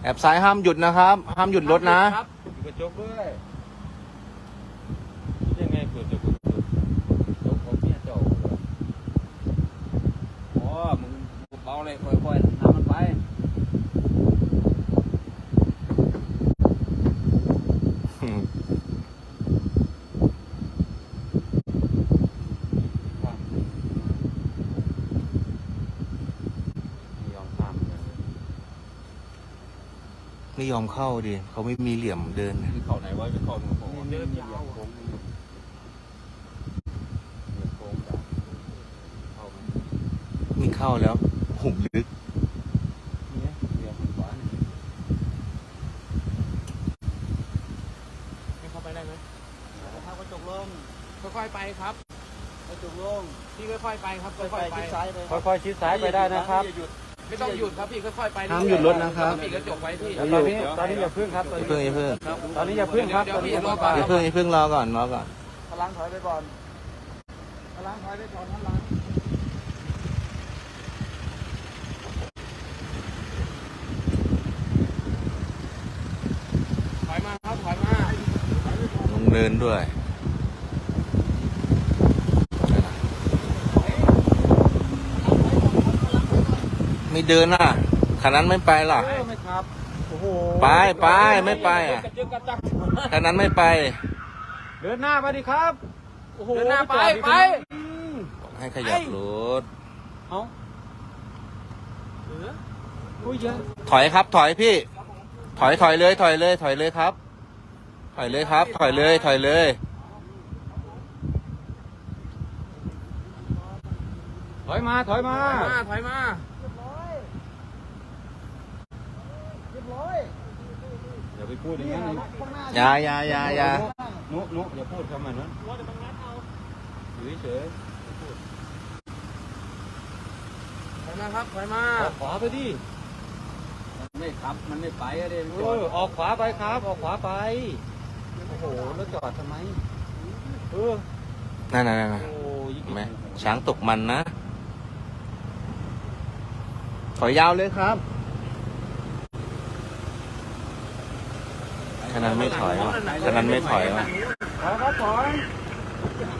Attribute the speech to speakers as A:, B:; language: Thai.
A: บซ้ายห้ามหยุดนะครับห้ามหยุดรถนะ
B: อยู่กระจกด้วยยังไงเปิดกระจกของเมียเจ้าอ๋อมึงเบาเลยค่อยๆน้ำมันไป
A: ไม่ยอมเข้าดิเขาไม่มีเหลี่ยมเดิน
B: เข้าไหนวะไปเข้าตรงโค้งเดินยาว
A: นี่เข้าแล้วหุ่มลึก
B: เนี่ยเดี๋ยวมันหวานให้เข้าไปได้ไหมถ้ากระจกลงค่อยๆไปครับกระจกลงพี่ค่อยๆไปครับค่อยๆไปค่อยๆชิดซ้ายไปได้นะครับไม่ต้องหยุดครับพี่ค่อยๆไป
A: ห้ามหยุดรถนะครับ
B: ปิดกระจกไว้พี่ตอนนี้อย่าพึ่งครับ
A: อย่าเพิ่ง
B: ตอนนี้อย่าพึ่งครับ
A: อย่าเพิ่งรอก่อน
B: พลังถอยไปก่อนพลังถอยไปก่อนพลังถอยมาครับถอยมา
A: ลงเดินด้วยไม่เดินน่ะคันนั้นไม่ไปหรอ
B: ไม่ครับโอ้โห
A: ไปไม่ไปอ่ะคันนั้นไม่ไป
B: เดินหน้าไปดิครับโอ้โหเดินหน้าไป
A: ให้ขยับรถ
B: เอา
A: ถอยครับถอยพี่ถอยเลยครับถอยเลยถอยเลยถอย
B: มา
A: ถอยมา
B: อย่าไปพูดอย่างนั้น
A: อย่า
B: นุอย่าพูดคำนั้นอยู่เฉยถอยมาครับถอยมาออกขวาไปดิไม่ครับมันไม่ไปอะเด็กออกขวาไปครับออกขวาไปโอ้โหแล้วจอดทำไม
A: นั่นแม่ช้างตกมันนะถอยยาวเลยครับขนาดไม่ถอยว่ะ
B: ถอย